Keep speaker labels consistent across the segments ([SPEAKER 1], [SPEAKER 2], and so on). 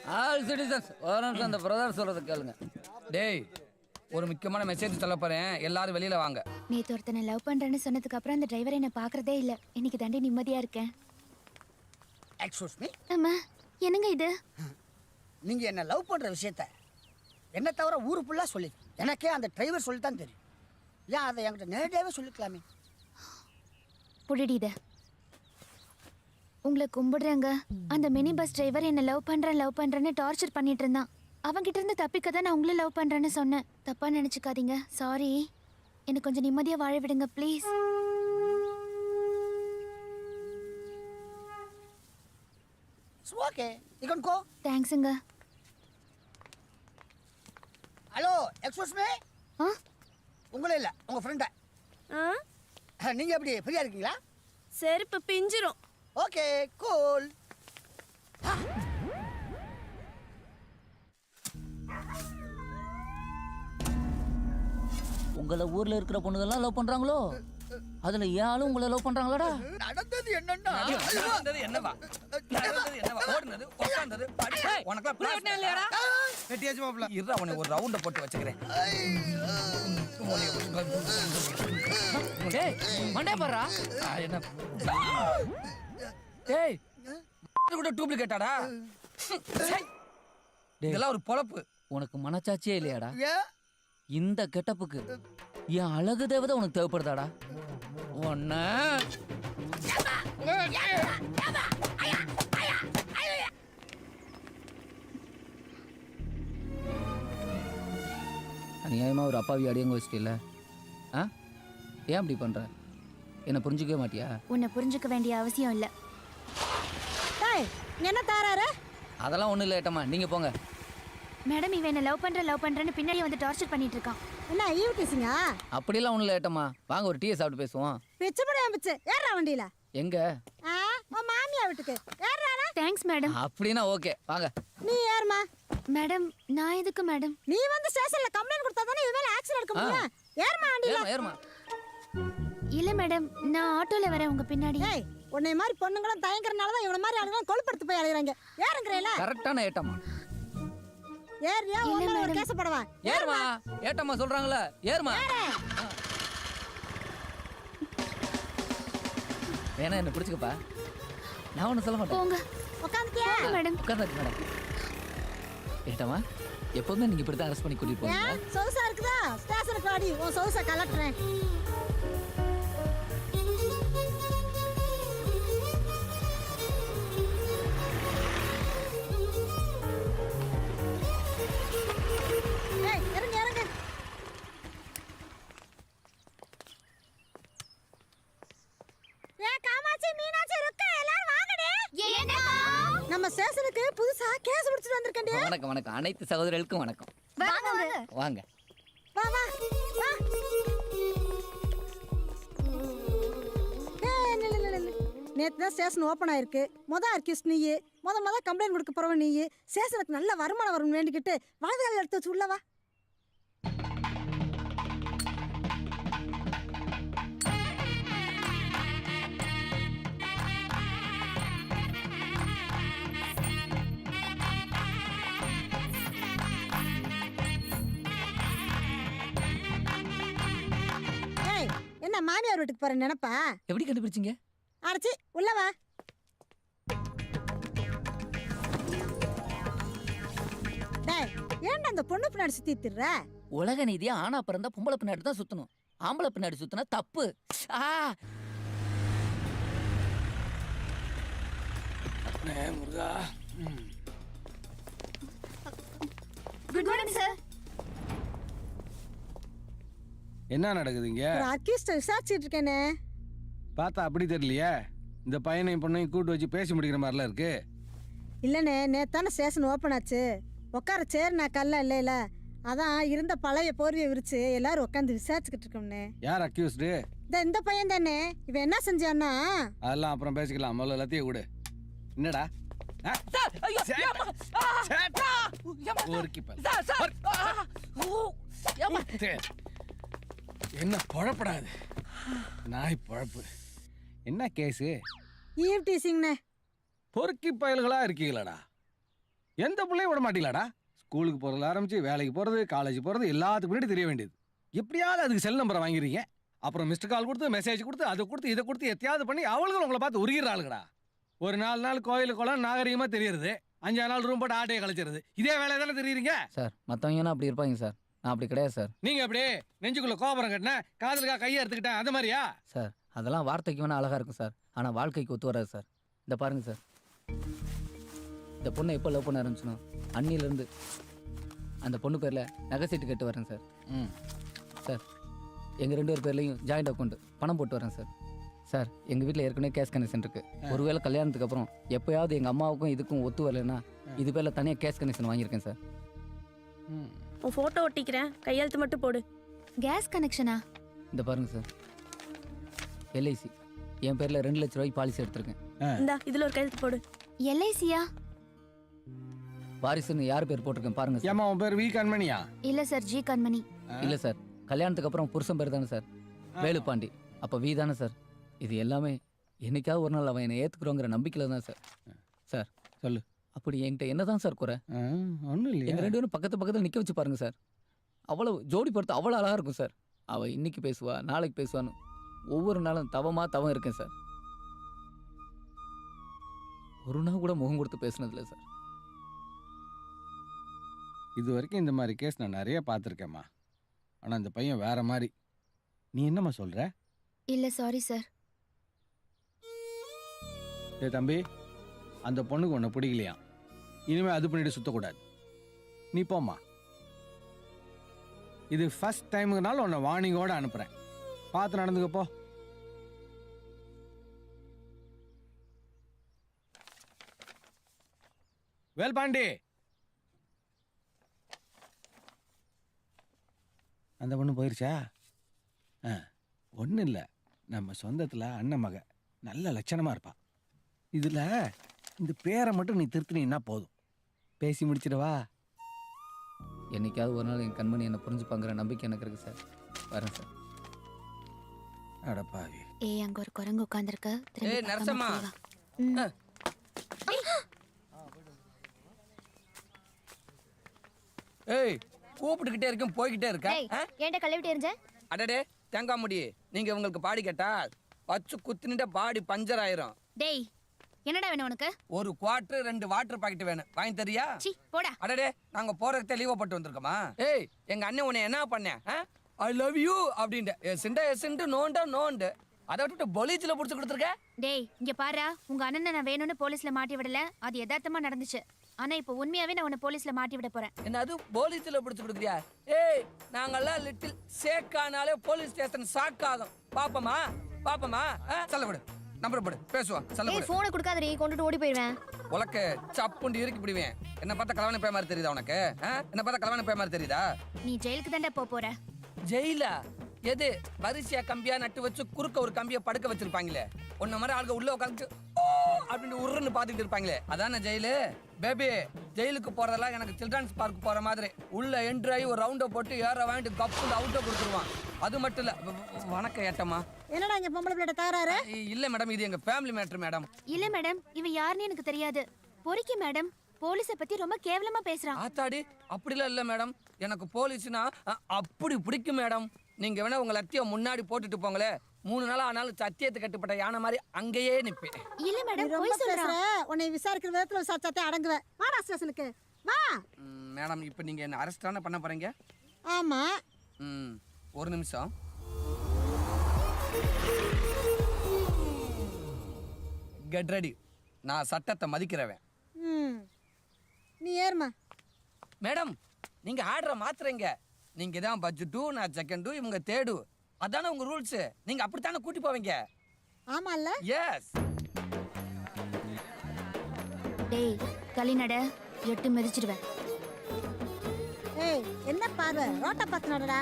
[SPEAKER 1] All citizens ஒரு நிமிஷம் அந்த பிரதர் சொல்றத கேளுங்க. டேய், ஒரு முக்கியமான மெசேஜ் சொல்ல போறேன், எல்லாரும் வெளியில வாங்க.
[SPEAKER 2] நேத்து ஒருத்தனை லவ் பண்றேன்னு சொன்னதுக்கு அப்புறம் அந்த டிரைவர் என்ன பாக்குறதே இல்ல. இன்னைக்கு தாண்டி நிம்மதியா இருக்கேன்.
[SPEAKER 3] Excuse me.
[SPEAKER 2] அம்மா, என்னங்க இது?
[SPEAKER 3] நீங்க என்ன லவ் பண்ற விஷயத்த என்ன தவிர ஊரு ஃபுல்லா சொல்லி எனக்கே அந்த டிரைவர் சொல்லித்தான் தெரியும். ஏன் அதை என்கிட்ட நேரடியாவே சொல்லிக்கலாமே.
[SPEAKER 2] புடிடி இத. உங்களை கும்பிடுறேங்க. அந்த மினி பஸ் டிரைவர் என்ன லவ் பண்றேன்னு டார்ச்சர் பண்ணிட்டு இருந்தான். அவன்கிட்ட இருந்து தப்பிக்க தான் நான் உங்களை லவ் பண்றேன்னு சொன்னேன். தப்பா நினைச்சுக்காதீங்க. சாரி. எனக்கு கொஞ்சம் நிம்மதியா வாழ விடுங்க please.
[SPEAKER 3] Okay, you can go.
[SPEAKER 2] தேங்க்ஸ்ங்க.
[SPEAKER 3] Hello, excuse me. உங்களே இல்ல, உங்க ஃப்ரெண்ட. நீங்க எப்படி ஃப்ரீயா இருக்கீங்களா?
[SPEAKER 4] செருப்பு பிஞ்சிரும்.
[SPEAKER 3] Okay, cool.
[SPEAKER 1] உங்களை ஊர்ல இருக்கிற பொண்ணுங்கெல்லாம் லவ் பண்றாங்களோ? அதுல ஏன் உங்களை லவ் பண்றாங்களாடா?
[SPEAKER 3] நடந்தது என்னன்னா
[SPEAKER 1] என்னவா ஓடுனது உட்கார்ந்தது உனக்கு பிளான் இல்லையாடா?
[SPEAKER 3] வெட்டியாச்சு மாப்ள.
[SPEAKER 1] இருடா, உன்னை ஒரு ரவுண்ட போட்டு வச்சுக்கிறேன். டேய், மண்டே பாறா. என்ன டேய், கூட டூப்ளிகேட்டாடா? இதெல்லாம் ஒரு பொழப்பு. உனக்கு மனச்சாட்சியே இல்லையாடா? இந்த கெட்டப்புக்கு என் அழகு தேவதை உனக்கு தேவைப்படுதாடா? ஒன்ன அநியாயமா ஒரு அப்பாவி அடியங்க வச்சிட்டில்ல? ஏன் அப்படி பண்ற? என்ன புரிஞ்சுக்கவே மாட்டியா?
[SPEAKER 2] உன்னை புரிஞ்சுக்க வேண்டிய அவசியம் இல்ல.
[SPEAKER 4] என்ன தாராரு?
[SPEAKER 1] அதெல்லாம் ஒண்ணும் இல்ல ஏட்டம்மா, நீங்க போங்க.
[SPEAKER 2] மேடம், இவன் என்ன லவ் பண்றேன்னு பின்னாடி வந்து டார்ச்சர் பண்ணிட்டு இருக்கான்.
[SPEAKER 4] என்ன ஈவிட்டிஸுங்க?
[SPEAKER 1] அப்படிலாம் ஒண்ணும் இல்ல ஏட்டம்மா, வாங்க ஒரு டீயை சாப்பிட்டு பேசுவோம்.
[SPEAKER 4] பிச்சு முடியாம பிச்சு ஏறா வண்டியில.
[SPEAKER 1] எங்க?
[SPEAKER 4] உன் மாமியா வீட்டுக்கு ஏறானா?
[SPEAKER 2] Thanks madam.
[SPEAKER 1] அப்படின்னா ஓகே, வாங்க.
[SPEAKER 4] நீ ஏறுமா.
[SPEAKER 2] மேடம், நான் எதுக்கு மேடம்?
[SPEAKER 4] நீ வந்து ஸ்டேஷன்ல கம்ப்ளைண்ட் கொடுத்தா தானே இவன் ஆக்ஷன் எடுக்க முடியும். ஏறுமா வண்டியில.
[SPEAKER 1] ஏறுமா.
[SPEAKER 2] இல்ல மேடம், நான் ஆட்டோல வரேன் உங்க பின்னாடி.
[SPEAKER 4] ஏய், உன்னை மாதிரி பொண்ணுங்களும் தயங்கறனால தான் இவன மாதிரி ஆளுங்க கொழுப்படுத்து போய் அலையறாங்க. ஏறுங்கறேல.
[SPEAKER 1] கரெக்ட்டான ஏட்டம்மா.
[SPEAKER 4] ஏறியா உன்ன ஒரு கேஸ் போடுவா.
[SPEAKER 1] ஏறுமா. ஏட்டம்மா சொல்றாங்கல, ஏறுமா. வேணா என்ன பிடிச்சுக்கப்பா. நான் ஒன்னும் சொல்ல மாட்டேன்.
[SPEAKER 2] போங்க.
[SPEAKER 4] உட்கார்ந்தியா
[SPEAKER 2] மேடம்?
[SPEAKER 1] உட்கார்ந்து மேடம். ஏட்டம்மா, எப்பவுமே நீங்க இப்படி தான் அரெஸ்ட் பண்ணி கூட்டிட்டு போவீங்க.
[SPEAKER 4] சௌசா இருக்குதா? ஸ்டேஷனுக்கு வாடி, உன் சௌசா கலட்டுறேன். ஏய், இறங்கு இறங்கு. ஏய் காமாட்சி, மீனாட்சி, ருக்கா, எல்லாரும் வாங்கடே.
[SPEAKER 2] ஏண்டா?
[SPEAKER 4] நம்ம ஸ்டேஷனுக்கு புதுசா கேஸ் பிடிச்சிட்டு வந்திருக்கேன்டே.
[SPEAKER 1] வணக்கம் வணக்கம், அனைத்து சகோதரர்களுக்கும் வணக்கம்.
[SPEAKER 2] வாங்க
[SPEAKER 1] வாங்க.
[SPEAKER 4] வா வா வா. நேற்று தான் ஸ்டேஷன் ஓப்பன் ஆயிருக்கு. அர்க்கிஸ்ட் நீ முத கம்ப்ளைண்ட் கொடுக்க போறவன் நீ. ஸ்டேஷனுக்கு நல்ல வருமானம் வரும் வேண்டிக்கிட்டு வாழ்க்கையில் எடுத்து வச்சு உள்ளவா. என்ன மாமியார் வீட்டுக்கு போற நினைப்பா?
[SPEAKER 1] எப்படி கண்டுபிடிச்சீங்க?
[SPEAKER 4] அரைச்சி உள்ளவா. டேய், ஏன்டா அந்த பொண்ணு பின்னாடி சுத்தி திர்ற?
[SPEAKER 1] உலக நீதியா ஆனா பிறந்தா பொம்பளை பின்னாடி தான் சுத்தணும். ஆம்பளை பின்னாடி சுத்தினா தப்பு. முருகா.
[SPEAKER 2] Good morning sir.
[SPEAKER 5] என்ன நடக்குதுங்க?
[SPEAKER 4] ஒரு ஆர்கிஸ்ட் விசாரிச்சிட்டு இருக்கேனே.
[SPEAKER 5] பார்த்தா அப்படி தெரியலையே. இந்த பையனையும் பொண்ணையும் கூட்டு வச்சு பேசி முடிக்கிற மாதிரிலாம் இருக்கு.
[SPEAKER 4] இல்லைண்ணே, நேத்தான ஸ்டேஷன் ஓப்பன் ஆச்சு. உட்கார சேர் நான் கல்ல இல்லைல, அதான் இருந்த பழைய போர்வையை விரிச்சு எல்லாரும் உட்காந்து விசாரிச்சுக்கிட்டு இருக்கோம்னே.
[SPEAKER 5] யார் அக்யூஸ்டு?
[SPEAKER 4] இந்த பையன் தானே. இவன் என்ன செஞ்சான்னா?
[SPEAKER 5] அதெல்லாம் அப்புறம் பேசிக்கலாம், முதல்ல எல்லாத்தையும் விடு. என்னடா என்ன பொழப்படாது நாய் பொழப்பு. என்ன கேஸு?
[SPEAKER 4] ஈவ்டீசிங்ண்ணே.
[SPEAKER 5] பொறுக்கி பயல்களா இருக்கீங்களாடா? எந்த பிள்ளையும் விட மாட்டீங்களாடா? ஸ்கூலுக்கு போகிறதுல ஆரம்பிச்சு வேலைக்கு போகிறது, காலேஜ் போகிறது எல்லாத்துக்கு முன்னாடி தெரிய வேண்டியது. எப்படியாவது அதுக்கு செல் நம்பரை வாங்கிறீங்க. அப்புறம் மிஸ்டு கால் கொடுத்து, மெசேஜ் கொடுத்து, அதை கொடுத்து, இதை கொடுத்து எத்தையாவது பண்ணி அவளுக்கு உங்களை பார்த்து உருகிறாளுங்கடா. ஒரு 4 நாள் கோயிலுக்கு குளம் நாகரிகமாக தெரியுறது, 5 நாள் ரூம் போட்டு ஆட்டையை கழிச்சிருது. இதே வேலை தானே தெரியுறீங்க
[SPEAKER 1] சார் மற்றவங்கன்னா அப்படி இருப்பாங்க சார், நான் அப்படி கிடையாது சார்.
[SPEAKER 5] நீங்கள் அப்படியே நெஞ்சுக்குள்ளே கோபுரம் கட்டினேன், காதலுக்காக கையை எடுத்துக்கிட்டேன், அந்த மாதிரியா?
[SPEAKER 1] சார் அதெல்லாம் வார்த்தைக்கு வேணால் அழகாக இருக்கும் சார், ஆனால் வாழ்க்கைக்கு ஒத்து வராது சார். இந்த பாருங்க சார், இந்த பொண்ணை எப்போ லவ் பண்ண ஆரம்பிச்சனோ அன்னிலேருந்து அந்த பொண்ணு பேரில் நகை சீட்டு கட்டு வரேன் சார். சார் எங்கள் 2 பேர் பேர்லையும் ஜாயிண்ட் அக்கௌண்ட் பணம் போட்டு வரேன் சார். சார் எங்கள் வீட்டில் ஏற்கனவே கேஷ் கனெக்ஷன் இருக்குது. ஒருவேளை கல்யாணத்துக்கு அப்புறம் எப்போயாவது எங்கள் அம்மாவுக்கும் இதுக்கும் ஒத்து வரலைன்னா இது பேரில் தனியாக கேஷ் கனெக்ஷன் வாங்கியிருக்கேன் சார்.
[SPEAKER 6] உன் ஃபோட்டோ ஒட்டிக்கிறேன், கையெழுத்து மட்டும் போடு.
[SPEAKER 2] கேஸ் கனெக்ஷனா?
[SPEAKER 1] இந்த பாருங்க சார், எல்ஐசி என் பேரில் 2 லட்ச ரூபாய்க்கு பாலிசி எடுத்திருக்கேன்.
[SPEAKER 6] இந்தா இதில் ஒரு கையெழுத்து போடு.
[SPEAKER 2] எல்ஐசியா?
[SPEAKER 1] வாரிசுன்னு யார் பேர் போட்டிருக்கேன் பாருங்க சார்.
[SPEAKER 5] ஏமா உன் பேர் வி கண்மணியா?
[SPEAKER 2] இல்ல சார், ஜி கண்மணி.
[SPEAKER 1] இல்லை சார், கல்யாணத்துக்கு அப்புறம் புருஷன் பேர் தானே சார், வேலுப்பாண்டி. அப்போ வி தானே சார். இது எல்லாமே என்னைக்காவது ஒரு நாள் அவன் என்னை ஏற்றுக்குறோங்கிற நம்பிக்கையில் தான் சார். சார்
[SPEAKER 5] சொல்லு.
[SPEAKER 1] அப்படி என்கிட்ட என்ன தான் சார் குறை?
[SPEAKER 5] ஒன்றும் இல்லையா?
[SPEAKER 1] எங்கள் 2 பேரும் பக்கத்தில் நிற்க வச்சு பாருங்க சார். அவ்வளோ ஜோடி பொறுத்து அவ்வளோ அழகாக இருக்கும் சார். அவள் இன்னைக்கு பேசுவா, நாளைக்கு பேசுவான்னு ஒவ்வொரு நாளும் தவம் இருக்கேன் சார். ஒரு நாள் கூட முகம் கொடுத்து பேசுனதில்லை சார்.
[SPEAKER 5] இது வரைக்கும் இந்த மாதிரி கேஸ் நான் நிறைய பார்த்துருக்கேம்மா. ஆனால் இந்த பையன் வேற மாதிரி. நீ என்னம்மா சொல்கிற?
[SPEAKER 2] இல்ல சாரி சார்.
[SPEAKER 5] ஏ தம்பி, அந்த பொண்ணுக்கு உன்னை பிடிக்கலையா? இனிமேல் அது பண்ணிட்டு சுற்றக்கூடாது. நீ போம்மா. இது ஃபர்ஸ்ட் டைமுக்குனால உன்னை வார்னிங்கோட அனுப்புகிறேன். பார்த்து நடந்துக்கப்போ. வேல்பாண்டி, அந்த பொண்ணு போயிருச்சா? ஒன்றும் இல்லை, நம்ம சொந்தத்தில் அண்ணன் மக நல்ல லட்சணமாக இருப்பா. இதில் இந்த பேரை மட்டும் நீ திருத்தினீன்னா போதும். பேசி முடிச்சிடவா?
[SPEAKER 1] என்னைக்காவது ஒரு நாள் என் கண்மணி என்னை புரிஞ்சுப்பாங்கிற நம்பிக்கை எனக்கு இருக்கு சார். வரேன் சார்.
[SPEAKER 5] அடப்பாவி.
[SPEAKER 2] ஏய், அங்க ஒரு குரங்கு உட்கார்ந்திருக்கு.
[SPEAKER 7] ஏய் நரசம்மா, ஏய் கூப்பிட்டுக்கிட்டே இருக்கேன், போய்கிட்டே இருக்க.
[SPEAKER 2] ஏன்டா கழுவிட்டு எரிஞ்ச?
[SPEAKER 7] அடடே தேங்காய் முடி, நீங்க உங்களுக்கு பாடி கேட்டா வச்சு குத்துனிட்ட பாடி பஞ்சர் ஆயிரும்.
[SPEAKER 2] டேய், என்னடா வேணும் உனக்கு?
[SPEAKER 7] ஒரு குவார்டர் 2 வாட்டர் பாக்கெட் வேணும், வாங்கி தரியா?
[SPEAKER 2] சி போடா.
[SPEAKER 7] அடடே நாங்க போறதுக்கு லீவ் போட்டு வந்திருக்கோமா? ஏய் எங்க அண்ணன் உன்னை என்ன பண்ண? ஐ லவ் யூ அப்படின்ட்டு எசிண்டு நோண்டு அதை விட்டுட்டு பொலிச்சில் பிடிச்சி கொடுத்துருக்க.
[SPEAKER 2] டேய் இங்க பாரு, உங்க அண்ணனை நான் வேணும்னு போலீஸ்ல மாட்டி விடல, அது யதார்த்தமா நடந்துச்சு. ஆனா இப்போ உண்மையாவே நான் உன்னை போலீஸ்ல மாட்டி விட போறேன்.
[SPEAKER 7] என்ன அது போலீஸ்ல பிடிச்சி கொடுக்குறியா? ஏய் நாங்கெல்லாம் லிட்டில் சேக்கானாலே போலீஸ் ஸ்டேஷன் ஷாக் ஆகும். பாப்பமா சொல்ல விடு, நம்பர் போடு, பேசுவான். சொல்ல விடு.
[SPEAKER 2] போனை கொடுக்காதடி, கொண்டுட்டு ஓடி போயிடுவேன்.
[SPEAKER 7] உலக்க சப்புண்டு இறுக்கி பிடிவேன். என்ன பார்த்தா கலவான பே மாதிரி தெரியுதா உனக்கு? என்ன பார்த்தா கலவான பே மாதிரி தெரியுதா?
[SPEAKER 2] நீ ஜெயிலுக்கு தான்டா போற.
[SPEAKER 7] ஜெயிலா? எது வரிசையா கம்பியா நட்டு வச்சு குறுக்க ஒரு கம்பியை படுக்க வச்சிருப்பாங்களே, உன்ன மாதிரி ஆளுங்க உள்ள உட்காந்து அப்படின்னு உருன்னு பாத்துக்கிட்டு இருப்பாங்களே, அதான ஜெயிலு? பேபி ஜெயிலுக்கு போறதெல்லாம் எனக்கு சில்ட்ரன்ஸ் பார்க் போற மாதிரி உள்ள என்ட்ரி ஆகி ஒரு ரவுண்டை போட்டு ஏற வாங்கிட்டு கப்பு அவுட்டை கொடுத்துருவான். அது மட்டும் இல்ல. வணக்கம் ஏட்டம்மா.
[SPEAKER 4] என்னடா இங்க பொம்பளை பிள்ளை தாராரு?
[SPEAKER 7] இல்ல மேடம், இது எங்க ஃபேமிலி மேட்டர் மேடம்.
[SPEAKER 2] இல்ல மேடம், இவன் யாருன்னு எனக்கு தெரியாது. பொறுக்கி மேடம், போலீஸ பத்தி ரொம்ப கேவலமா பேசுறான்.
[SPEAKER 7] ஆத்தாடி, அப்படிலாம் இல்ல மேடம். எனக்கு போலீஸ்னா அப்படி பிடிக்கும் மேடம். நீங்க வேணா உங்க லத்திய முன்னாடி போட்டுட்டு போங்களே, 3 நாள் ஆனாலும் சத்தியத்தை கட்டுப்பட்ட யானை மாதிரி அங்கேயே நிப்பேன்.
[SPEAKER 2] இல்ல மேடம்,
[SPEAKER 4] ரொம்ப
[SPEAKER 2] போய் சொல்றா.
[SPEAKER 4] உன்னை விசாரிக்கிற விதத்துல விசாரிச்சாத்தே அடங்குவேன். வாடா ஸ்டேஷனுக்கு வா.
[SPEAKER 7] மேடம் இப்போ நீங்க என்ன அரெஸ்ட் தானே பண்ண போறீங்க?
[SPEAKER 4] ஆமா.
[SPEAKER 7] ஒரு நிமிஷம். Get ready. நான் சட்டத்தை மதிக்கிறவன்.
[SPEAKER 4] நீ ஏறுமா.
[SPEAKER 7] மேடம் நீங்க ஆர்டரை மாத்துறீங்க. நீங்க தான் பட்ஜெட்டு, நான் செகண்டு, இவங்க தேடு. அதானே உங்க ரூல்ஸ். நீங்க அப்படித்தானே கூட்டி போவீங்க.
[SPEAKER 4] ஆமால்ல?
[SPEAKER 7] எஸ்.
[SPEAKER 2] டேய் தள்ளினட, எட்டு மிதிச்சிடுவேன்.
[SPEAKER 4] ஏய் என்ன பார்வை, ரோட்ட பார்த்து நடடா.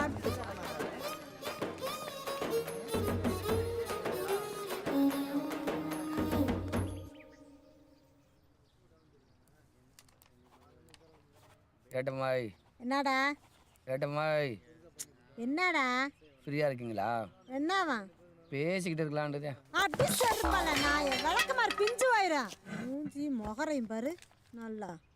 [SPEAKER 7] ஏட்டம்மாய்.
[SPEAKER 4] என்னடா?
[SPEAKER 7] ஏட்டம்மாய்.
[SPEAKER 4] என்னடா?
[SPEAKER 7] ஃப்ரீயா இருக்கீங்களா?
[SPEAKER 4] என்னவா?
[SPEAKER 7] பேசிக்கிட்டு இருக்கலான்றது.
[SPEAKER 4] அப்படி சொல்லுப்பால, நான் விளக்கமாறு பிஞ்சு வாயிரா. மூஞ்சி முகரையும் பாரு நல்லா.